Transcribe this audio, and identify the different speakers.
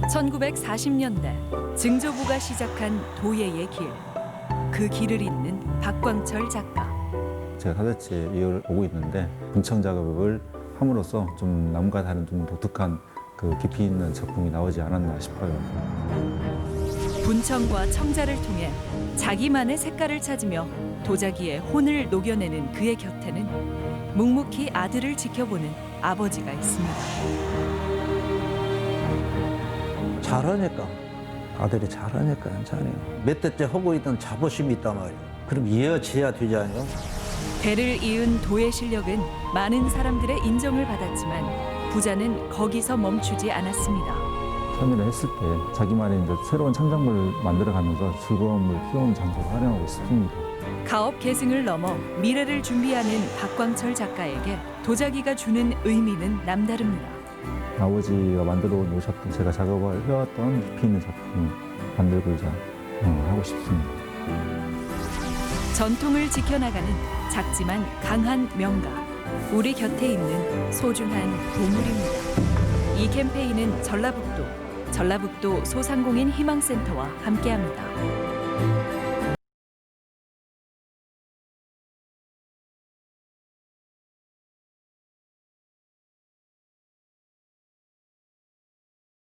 Speaker 1: 1940년대 증조부가 시작한 도예의 길. 그 길을 잇는 박광철 작가.
Speaker 2: 제가 4대째 이어를 오고 있는데 분청 작업을 함으로써 좀 남과 다른 좀 독특한 그 깊이 있는 작품이 나오지 않았나 싶어요.
Speaker 1: 분청과 청자를 통해 자기만의 색깔을 찾으며 도자기에 혼을 녹여내는 그의 곁에는 묵묵히 아들을 지켜보는 아버지가 있습니다.
Speaker 3: 잘하니까 아들이 잘하니까 괜찮아요. 몇 대째 하고 있던 자부심이 있단 말이에요. 그럼 이어져야 되지 않아요?
Speaker 1: 대를 이은 도의 실력은 많은 사람들의 인정을 받았지만 부자는 거기서 멈추지 않았습니다.
Speaker 2: 참여를 했을 때 자기만의 이제 새로운 창작물을 만들어가면서 즐거움을 피우는 장소로 활용하고 있습니다.
Speaker 1: 가업 계승을 넘어 미래를 준비하는 박광철 작가에게 도자기가 주는 의미는 남다릅니다.
Speaker 2: 아버지가 만들어 놓으셨던 제가 작업을 해왔던 깊이 있는 작품을 만들고자 하고 싶습니다.
Speaker 1: 전통을 지켜나가는 작지만 강한 명가. 우리 곁에 있는 소중한 보물입니다. 이 캠페인은 전라북도 소상공인 희망센터와 함께합니다.